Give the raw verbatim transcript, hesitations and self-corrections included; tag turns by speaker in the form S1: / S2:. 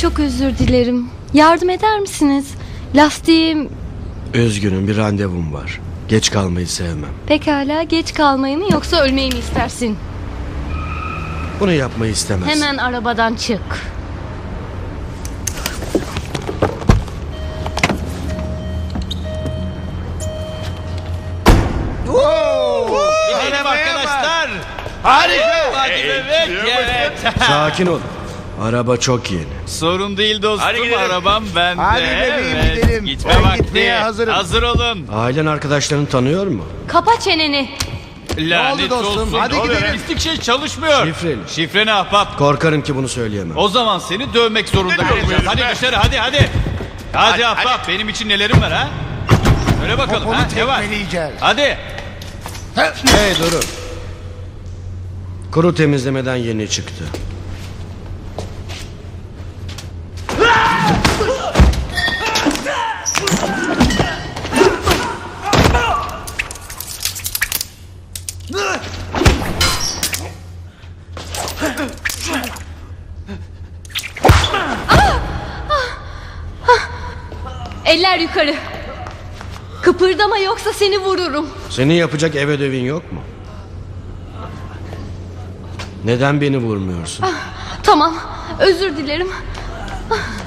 S1: çok özür dilerim. Yardım eder misiniz? Lastiğim...
S2: Üzgünüm, bir randevum var. Geç kalmayı sevmem.
S1: Pekala, geç kalmayı mı yoksa ölmeyi mi istersin?
S2: Bunu yapmayı istemezsin.
S1: Hemen arabadan çık.
S3: Gidelim arkadaşlar.
S4: Harika.
S3: Hadi bebek. Evet.
S2: Sakin ol. Araba çok yeni.
S3: Sorun değil dostum.
S4: Hadi gidelim.
S3: Arabam bende.
S4: Hadi bebeğim,
S3: Evet.
S4: gidelim.
S3: Gitme
S4: Ben
S3: vakti.
S4: gitmeye hazırım.
S3: Hazır olun.
S2: Ailen arkadaşlarını tanıyor mu?
S1: Kapa çeneni.
S3: Lanet
S4: dostum?
S3: olsun.
S4: Hadi
S3: Ne oluyor?
S4: gidelim.
S3: Pislik şey çalışmıyor.
S2: Şifreli.
S3: Şifre ne ahbap?
S2: Korkarım ki bunu söyleyemem.
S3: O zaman seni dövmek zorunda kalacağız. Hadi dışarı hadi hadi. Hadi,
S4: Hadi,
S3: ahbap benim için nelerim var ha? Söyle bakalım
S4: Poponu
S3: ha ne var?
S4: tekmeleyeceğiz.
S3: Hadi.
S2: Hey durun. Kuru temizlemeden yeni çıktı.
S1: Eller yukarı. Kıpırdama yoksa seni vururum.
S2: Senin yapacak ev ödevin yok mu? Neden beni vurmuyorsun?
S1: Tamam, özür dilerim.